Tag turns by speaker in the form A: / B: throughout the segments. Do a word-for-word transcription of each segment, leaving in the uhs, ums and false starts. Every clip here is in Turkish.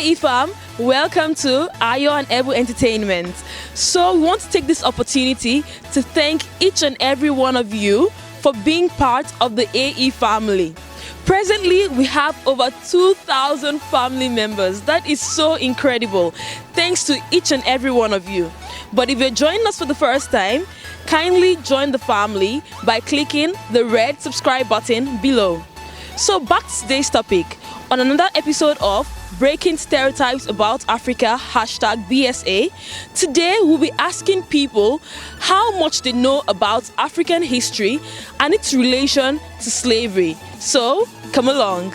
A: A E fam, welcome to Ayo and Ebu Entertainment. So we want to take this opportunity to thank each and every one of you for being part of the A E family. Presently, we have over two thousand family members. That is so incredible. Thanks to each and every one of you. But if you're joining us for the first time, kindly join the family by clicking the red subscribe button below. So back to today's topic. On another episode of Breaking Stereotypes About Africa, hashtag B S A, today we'll be asking people how much they know about African history and its relation to slavery. So, come along.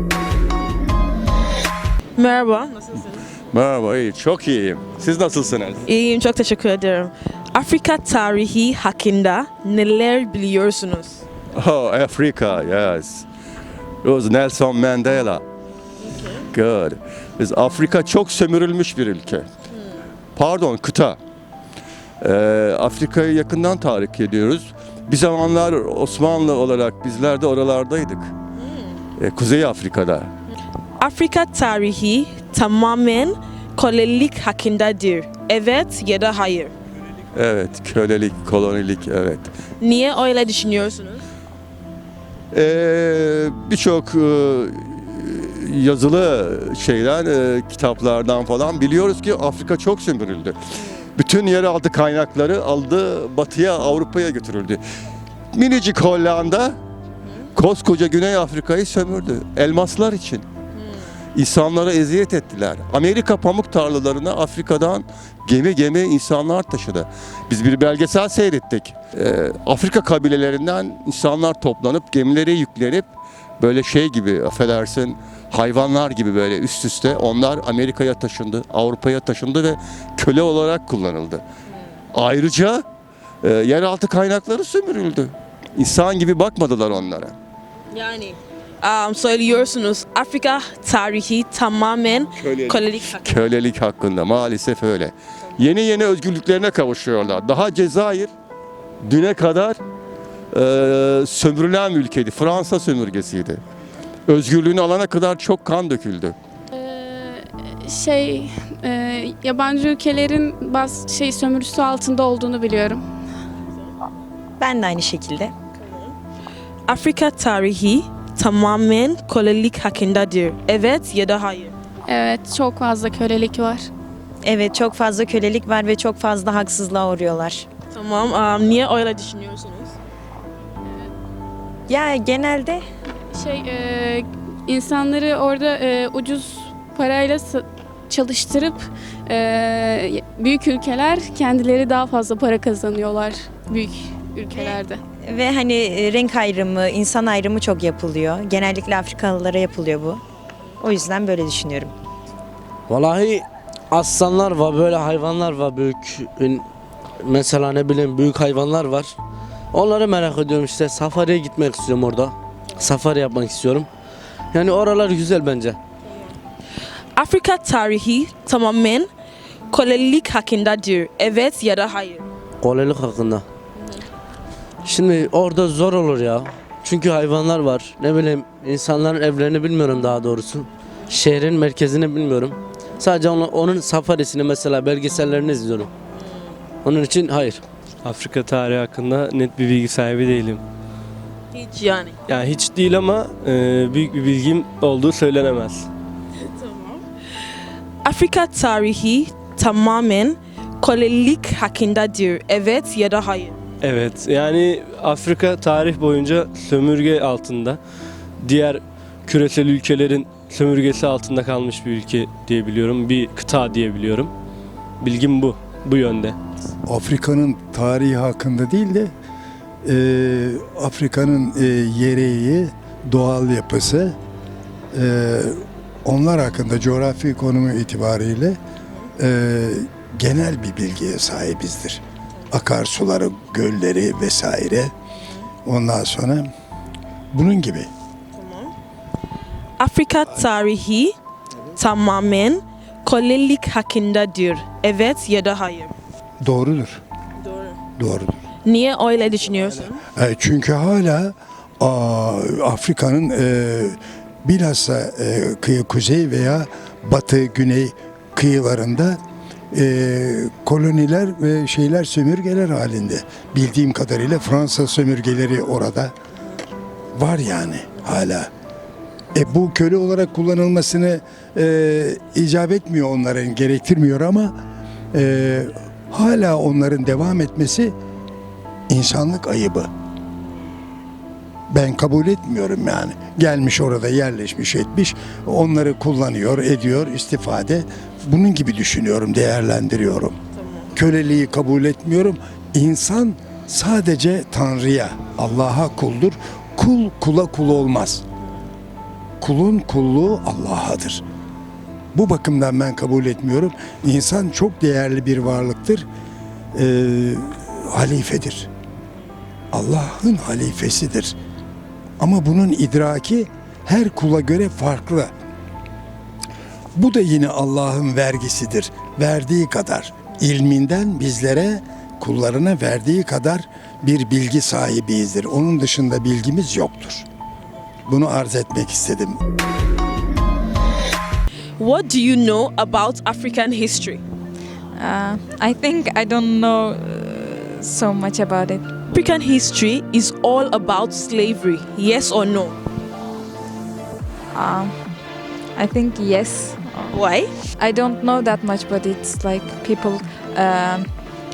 A: Merhaba, nasılsınız?
B: Merhaba, iyi, çok iyiyim. Siz nasılsınız?
A: İyiyim, çok teşekkür ederim. Afrika tarihi hakkında neler biliyorsunuz?
B: Oh, Africa, yes. It was Nelson Mandela. Good. Biz Afrika çok sömürülmüş bir ülke. Pardon, kıta. Ee, Afrika'yı yakından takip ediyoruz. Bir zamanlar Osmanlı olarak bizler de oralardaydık. Ee, Kuzey Afrika'da.
A: Afrika tarihi tamamen kölelik hakkındadır. Evet ya da hayır.
B: Evet, kölelik, kolonilik, evet.
A: Niye öyle düşünüyorsunuz?
B: Ee, Birçok e, yazılı şeyler, e, kitaplardan falan biliyoruz ki Afrika çok sömürüldü. Bütün yeraltı kaynakları aldı, batıya, Avrupa'ya götürüldü. Minicik Hollanda koskoca Güney Afrika'yı sömürdü. Elmaslar için. İnsanlara eziyet ettiler. Amerika pamuk tarlalarına Afrika'dan gemi gemi insanlar taşıdı. Biz bir belgesel seyrettik. Ee, Afrika kabilelerinden insanlar toplanıp gemilere yüklenip böyle şey gibi, affedersin, hayvanlar gibi böyle üst üste onlar Amerika'ya taşındı, Avrupa'ya taşındı ve köle olarak kullanıldı. Ayrıca e, yeraltı kaynakları sömürüldü. İnsan gibi bakmadılar onlara.
A: Yani um, söylüyorsunuz Afrika tarihi tamamen
B: Kölelik.
A: kölelik hakkında.
B: Kölelik hakkında maalesef öyle. Yeni yeni özgürlüklerine kavuşuyorlar. Daha Cezayir düne kadar e, sömürülen ülkeydi. Fransa sömürgesiydi. Özgürlüğünü alana kadar çok kan döküldü.
C: Ee, şey e, yabancı ülkelerin bazı şey sömürüsü altında olduğunu biliyorum.
D: Ben de aynı şekilde.
A: Afrika tarihi tamamen kölelik hakkındadır. Evet ya da hayır.
C: Evet, çok fazla kölelik var.
D: Evet, çok fazla kölelik var ve çok fazla haksızlığa uğruyorlar.
A: Tamam. Um, niye öyle düşünüyorsunuz?
D: Ya genelde
C: Şey e, insanları orada e, ucuz parayla sa- çalıştırıp e, büyük ülkeler kendileri daha fazla para kazanıyorlar büyük ülkelerde.
D: ve hani e, renk ayrımı, insan ayrımı çok yapılıyor. Genellikle Afrikalılara yapılıyor bu. O yüzden böyle düşünüyorum.
E: Vallahi aslanlar var, böyle hayvanlar var büyük. Mesela ne bileyim büyük hayvanlar var. Onları merak ediyorum işte. Safariye gitmek istiyorum orada. Safari yapmak istiyorum. Yani oralar güzel bence.
A: Afrika tarihi tamamen kölelik hakkındadır. Evet ya da hayır.
E: Kolaylık hakkında. Şimdi orada zor olur ya. Çünkü hayvanlar var. Ne bileyim insanların evlerini bilmiyorum daha doğrusu. Şehrin merkezini bilmiyorum. Sadece onun, onun safarisini mesela belgesellerini izliyorum. Onun için hayır.
F: Afrika tarihi hakkında net bir bilgi sahibi değilim.
A: Hiç yani.
F: Yani hiç değil ama e, büyük bir bilgim olduğu söylenemez.
A: Afrika tarihi tamamen kölelik hakkındadır. Evet ya da hayır.
F: Evet, yani Afrika tarih boyunca sömürge altında, diğer küresel ülkelerin sömürgesi altında kalmış bir ülke diyebiliyorum, bir kıta diyebiliyorum. Bilgim bu, bu yönde.
G: Afrika'nın tarihi hakkında değil de e, Afrika'nın e, yereği, doğal yapısı, e, onlar hakkında coğrafi konumu itibariyle e, genel bir bilgiye sahibizdir. Akarsuları, gölleri vesaire. Ondan sonra bunun gibi.
A: Afrika tarihi tamamen kölelik hakkındadır. Evet ya da hayır.
G: Doğrudur.
A: Doğru.
G: Doğrudur.
A: Niye öyle düşünüyorsun?
G: E, çünkü hala aa, Afrika'nın e, bilhassa e, kıyı kuzey veya batı, güney kıyılarında e, koloniler ve şeyler sömürgeler halinde. Bildiğim kadarıyla Fransa sömürgeleri orada var yani hala. E, bu köle olarak kullanılmasını e, icap etmiyor onların, gerektirmiyor ama e, hala onların devam etmesi insanlık ayıbı. Ben kabul etmiyorum yani. Gelmiş orada yerleşmiş etmiş, onları kullanıyor, ediyor, istifade. Bunun gibi düşünüyorum, değerlendiriyorum. Köleliği kabul etmiyorum. İnsan sadece Tanrı'ya, Allah'a kuldur. Kul kula kul olmaz. Kulun kulluğu Allah'adır. Bu bakımdan ben kabul etmiyorum. İnsan çok değerli bir varlıktır. Ee, halifedir. Allah'ın halifesidir. Ama bunun idraki her kula göre farklı. Bu da yine Allah'ın vergisidir. Verdiği kadar, ilminden bizlere, kullarına verdiği kadar bir bilgi sahibiyizdir. Onun dışında bilgimiz yoktur. Bunu arz etmek istedim.
A: What do you know about African history?
H: Uh, I think I don't know uh, so much about it.
A: African history is all about slavery, yes or no?
H: Um, I think yes.
A: Why?
H: I don't know that much, but it's like people, um,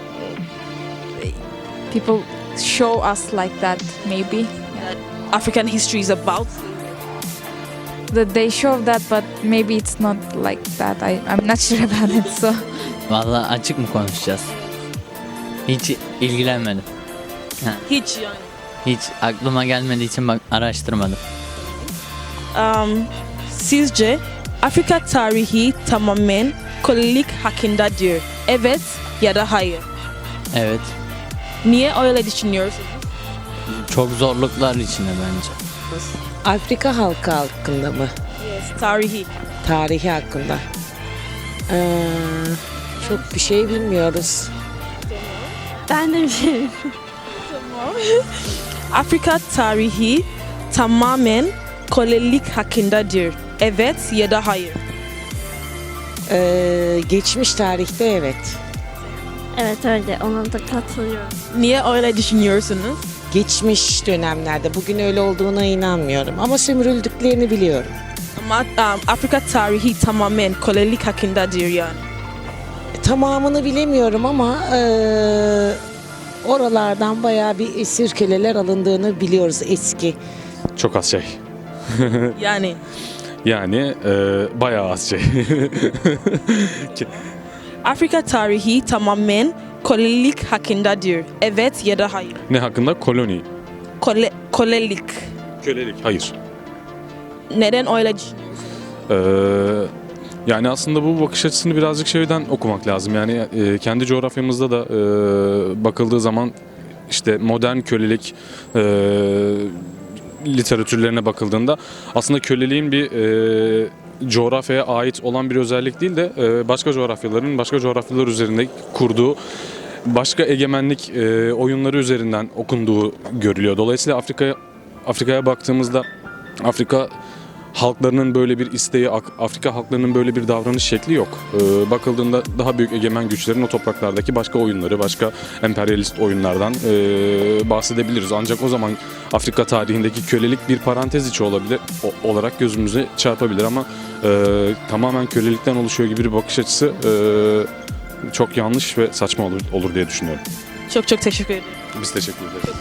H: people show us like that. Maybe
A: African history is about
H: that they show that, but maybe it's not like that. I I'm not sure about it. So
I: Vallahi açık mı konuşacağız? Hiç ilgilenmedim.
A: hiç yani.
I: Hiç aklıma gelmediği için bak araştırmadım.
A: Um, sizce Afrika tarihi tamamen kölelik hakkındadır. Evet ya da hayır.
I: Evet.
A: Niye öyle düşünüyorsunuz?
I: Çok zorluklar içinde bence.
J: Afrika halkı hakkında mı?
A: Yes, tarihi.
J: Tarihi hakkında. Ee, çok bir şey bilmiyoruz.
C: Ben de bir şey.
A: Afrika tarihi tamamen kölelik hakkındadır. Evet ya da hayır.
J: Ee, geçmiş tarihte evet.
C: Evet öyle. Ona da katılıyorum.
A: Niye öyle düşünüyorsunuz?
J: Geçmiş dönemlerde bugün öyle olduğuna inanmıyorum ama sömürüldüklerini biliyorum.
A: Ama um, Afrika tarihi tamamen kölelik hakkındadır yani.
J: Tamamını bilemiyorum ama ee, oralardan bayağı bir esir köleler alındığını biliyoruz eski.
K: Çok az şey.
A: Yani
K: Yani e, bayağı az şey.
A: Afrika tarihi tamamen kölelik hakkındadır. Evet ya da hayır.
K: Ne hakkında? Koloni.
A: Köle, kölelik.
K: Kölelik. Hayır.
A: Neden öyle düşünüyorsunuz?
K: Ee, yani aslında bu bakış açısını birazcık şeyden okumak lazım. Yani e, kendi coğrafyamızda da e, bakıldığı zaman işte modern kölelik e, literatürlerine bakıldığında aslında köleliğin bir e, coğrafyaya ait olan bir özellik değil de e, başka coğrafyaların başka coğrafyalar üzerinde kurduğu başka egemenlik e, oyunları üzerinden okunduğu görülüyor. Dolayısıyla Afrika'ya Afrika'ya baktığımızda Afrika halklarının böyle bir isteği, Afrika halklarının böyle bir davranış şekli yok. Ee, bakıldığında daha büyük egemen güçlerin o topraklardaki başka oyunları, başka emperyalist oyunlardan e, bahsedebiliriz. Ancak o zaman Afrika tarihindeki kölelik bir parantez içi olabilir, o, olarak gözümüze çarpabilir ama e, tamamen kölelikten oluşuyor gibi bir bakış açısı e, çok yanlış ve saçma olur, olur diye düşünüyorum.
A: Çok çok teşekkür ederim.
K: Biz teşekkür ederiz.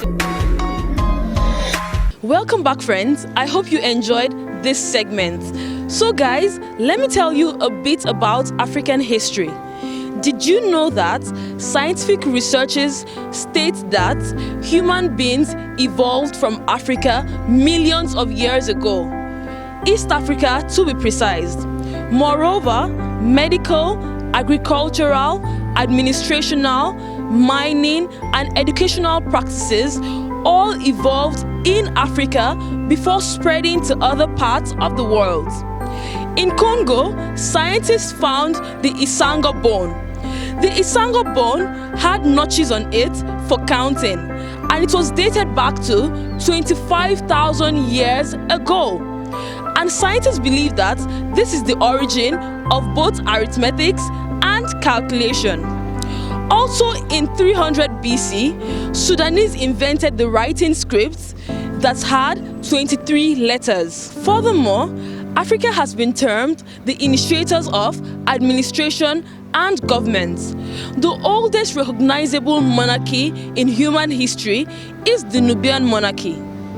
A: Welcome back, friends. I hope you enjoyed this segment. So, guys, let me tell you a bit about African history. Did you know that scientific researchers state that human beings evolved from Africa millions of years ago? East Africa, to be precise. Moreover, medical, agricultural, administrational, mining, and educational practices all evolved in Africa before spreading to other parts of the world. In Congo, scientists found the Isanga bone. The Isanga bone had notches on it for counting, and it was dated back to twenty-five thousand years ago. And scientists believe that this is the origin of both arithmetics and calculation. Also in three hundred B C, Sudanese invented the writing script that had twenty-three letters. Furthermore, Africa has been termed the initiators of administration and government. The oldest recognizable monarchy in human history is the Nubian monarchy.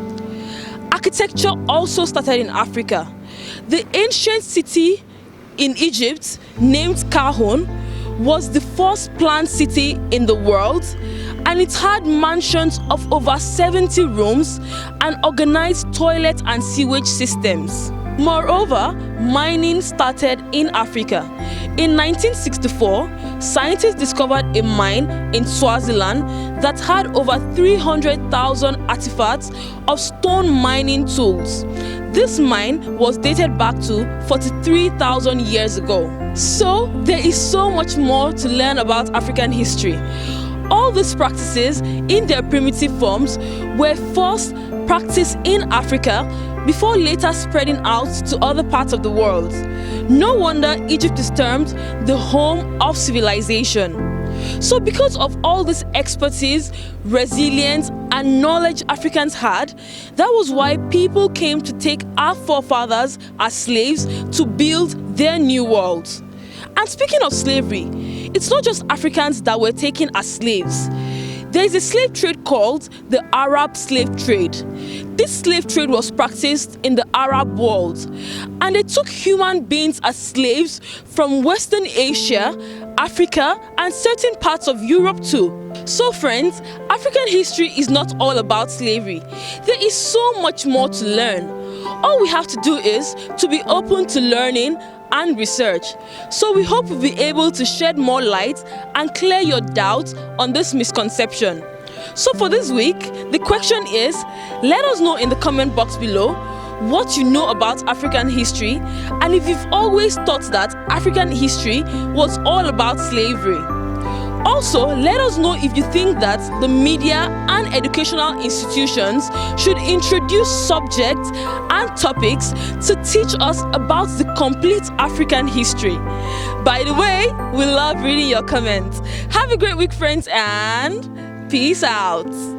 A: Architecture also started in Africa. The ancient city in Egypt, named Kahun, was the first planned city in the world, and it had mansions of over seventy rooms and organized toilet and sewage systems. Moreover, mining started in Africa. In nineteen sixty-four, scientists discovered a mine in Swaziland that had over three hundred thousand artifacts of stone mining tools. This mine was dated back to forty-three thousand years ago. So, there is so much more to learn about African history. All these practices, in their primitive forms, were first practiced in Africa before later spreading out to other parts of the world. No wonder Egypt is termed the home of civilization. So because of all this expertise, resilience, and knowledge Africans had, that was why people came to take our forefathers as slaves to build their new world. And speaking of slavery, it's not just Africans that were taken as slaves. There is a slave trade called the Arab slave trade. This slave trade was practiced in the Arab world, and they took human beings as slaves from Western Asia, Africa, and certain parts of Europe too. So friends, African history is not all about slavery. There is so much more to learn. All we have to do is to be open to learning and research. So we hope we'll be able to shed more light and clear your doubts on this misconception. So for this week, the question is, let us know in the comment box below what you know about African history, and if you've always thought that African history was all about slavery. Also, let us know if you think that the media and educational institutions should introduce subjects and topics to teach us about the complete African history. By the way, we love reading your comments. Have a great week, friends, and peace out.